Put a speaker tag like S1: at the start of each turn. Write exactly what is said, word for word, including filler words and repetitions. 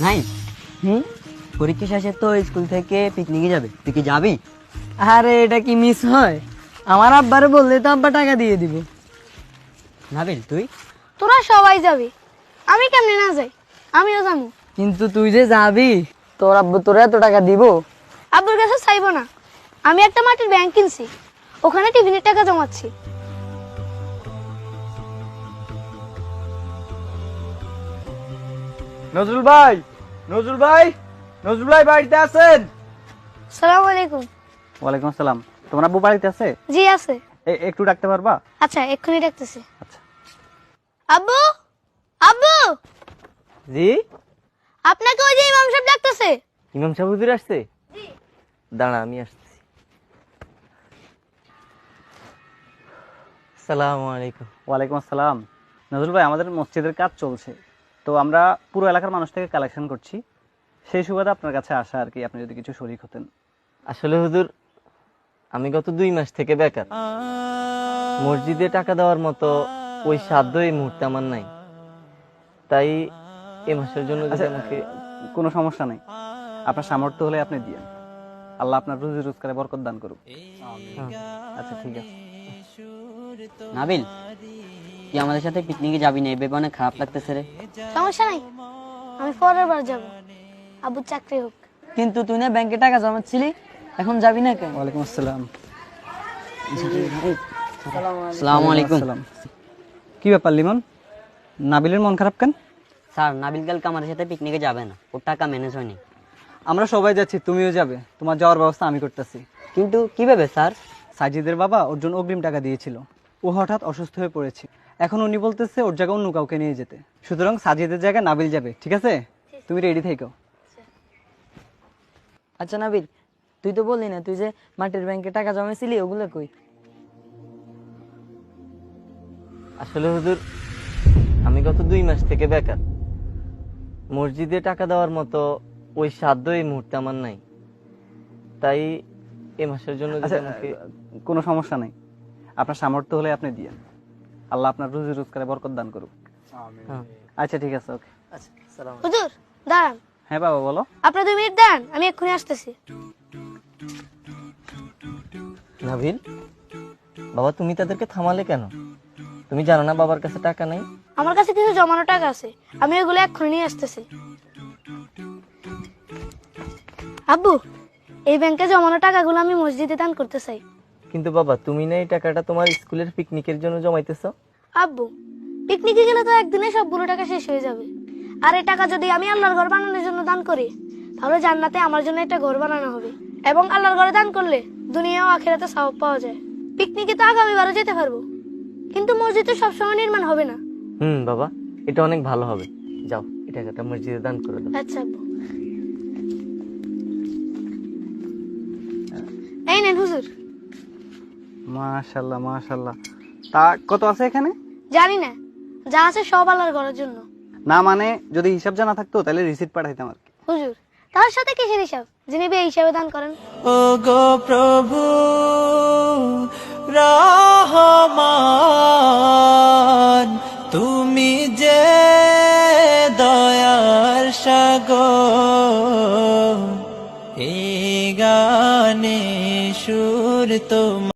S1: নাই
S2: হুম
S1: পরীক্ষা শেষে তো স্কুল থেকে পিকনিকে যাবে, তুই কি যাবি?
S2: আরে এটা কি মিস হয়? আমার আব্বারে বললে তো আব্বা টাকা দিয়ে দিব।
S1: নাবিল তুই?
S3: তোরা সবাই যাবি, আমি কেমনে না যাই? আমিও যাবো।
S2: কিন্তু তুই যে যাবি, তোর আব্বু তোর এত টাকা দিব?
S3: আব্বুর কাছে চাইবো না, আমি একটা মাটির ব্যাংক কিনছি, ওখানে টিফিনের টাকা জমাচ্ছি।
S4: নজরুল ভাই, নজরুল ভাই, নজরুল ভাই বাড়িতে আছেন?
S3: সালাম আলাইকুম।
S4: ওয়ালাইকুম আসসালাম। তোমার আব্বু বাড়িতে আছে?
S3: জি আছে।
S4: এ- একটু ডাকতে পারবা?
S3: আচ্ছা এক্ষুনি ডাকতেছি।
S4: আচ্ছা।
S3: আব্বু, আব্বু,
S5: জি,
S3: আপনাকে ওই যে ইমাম সাহেব ডাকতেছে।
S5: ইমাম সাহেব হুজুর আসছে? দাঁড়া আমি আসতেছি। আসসালামু আলাইকুম।
S4: ওয়ালাইকুম আসসালাম। নজরুল ভাই, আমাদের মসজিদের কাজ চলছে, তো আমরা পুরো এলাকার মানুষ থেকে কালেকশন করছি, সেই সুবাদে আপনার কাছে আসা আর কি, আপনি যদি কিছু শরীক হতেন।
S5: আসলে হুজুর, আমি গত দুই মাস থেকে বেকার। মসজিদে টাকা দেওয়ার মতো ওই সাধ্য এই মুহূর্তে আমার নাই, তাই এ মাসের জন্য যদি
S4: আচ্ছা,
S5: আমাকে
S4: কোনো সমস্যা নেই, আপনার সামর্থ্য হলে আপনি দিয়েন, আল্লাহ আপনার রুজি রোজগারে বরকত দান করুক। আচ্ছা ঠিক আছে।
S1: নাবিল, তুই আমাদের সাথে পিকনিকে যাবি না, এই ভেবে অনেক খারাপ লাগতেছে রে।
S3: সমস্যা নাই, আমি পরের বার যাবো, আব্বুর চাকরি হোক।
S2: কিন্তু তুই না ব্যাংকে টাকা জমাচ্ছিলি, এখন যাবি না কেন?
S4: ওয়ালাইকুম আসসালাম।
S1: আসসালামু আলাইকুম।
S4: আসসালাম। কি ব্যাপার লিমন, নাবিলের মন খারাপ কেন?
S1: স্যার, নাবিল কালকে আমাদের সাথে পিকনিকে যাবে না, ওর টাকা ম্যানেজ হয়নি।
S4: আমরা সবাই যাচ্ছি, তুমিও যাবে, তোমার যাওয়ার ব্যবস্থা আমি করতেছি।
S1: কিন্তু কিভাবে স্যার?
S4: সাজিদের বাবা ওর জন্য অগ্রিম টাকা দিয়েছিল, ও হঠাৎ অসুস্থ হয়ে পড়েছে, এখন উনি বলতেছে ওর জায়গায় অন্য কাউকে নিয়ে যেতে, সুতরাং সাজিদের জায়গায় নাবিল যাবে, ঠিক আছে? তুমি রেডি থেকো।
S2: আচ্ছা নাবিল, তুই তো বললি না তুই যে মাটির ব্যাংকে টাকা জমাইছিলি, ওগুলো কই?
S5: আসলে হুজুর, আমি গত দুই মাস থেকে বেকার। মসজিদে টাকা দেওয়ার মতো ওই সাধ্য এই মুহূর্তে আমার নাই, তাই এ মাসের জন্য যদি
S4: আচ্ছা,
S5: আমাকে
S4: কোনো সমস্যা নেই, আপনার সামর্থ্য হলে আপনি দিয়েন, আল্লাহ আপনার রুজি রোজগারে বরকত দান করুক।
S5: হ্যাঁ।
S4: আচ্ছা ঠিক আছে, ওকে।
S5: আচ্ছা, সালাম।
S3: হুজুর দাঁড়ান,
S4: হ্যাঁ বাবা বলো।
S3: আপনার দুই মিনিট দাঁড়ান, আমি এক্ষুনি আসতেছি।
S5: নাবিল, বাবা তুমি তাদেরকে থামালে কেন? তুমি জানো না বাবার কাছে টাকা নাই?
S3: আমার কাছে কিছু জমানো টাকা আছে, আমি ওগুলো এক্ষুনি নিয়ে আসতেছি। আব্বু, এই ব্যাংকে জমানো টাকাগুলো আমি মসজিদে দান করতে চাই।
S5: কিন্তু বাবা, তুমি না এই টাকাটা তোমার স্কুলের পিকনিকের জন্য জমাইতেছো?
S3: আব্বু, পিকনিকে গেলে তো একদিনে সবগুলো টাকা শেষ হয়ে যাবে, আর এই টাকা যদি আমি আল্লাহর ঘর বানানোর জন্য দান করি, তাহলে জান্নাতে আমার জন্য একটা ঘর বানানো হবে, এবং আল্লাহর ঘরে দান করলে দুনিয়া ও আখিরাতে সওয়াব পাওয়া যায়। পিকনিকে তো আগামীবারও যেতে পারবো, কিন্তু মসজিদ তো সবসময় নির্মাণ হবে না।
S5: হুম বাবা, এটা অনেক ভালো হবে, যাও এই টাকাটা মসজিদে দান করে দাও।
S3: আচ্ছা আব্বু, এই নেন হুজুর।
S4: মাশাল্লাহ মাশাল্লাহ। তা কত আছে এখানে?
S3: জানি না, যা আছে সব আল্লাহর ঘরের জন্য।
S4: না মানে যদি হিসাব জানা থাকতো তাহলে রিসিট পাঠাইতাম আর কি।
S3: হুজুর, তার সাথে কিসের হিসাব, যিনি বে হিসাবে দান করেন।
S6: ও গো প্রভু রহমান, তুমি যে দয়ার সাগর, এই গানে সুর তোমার।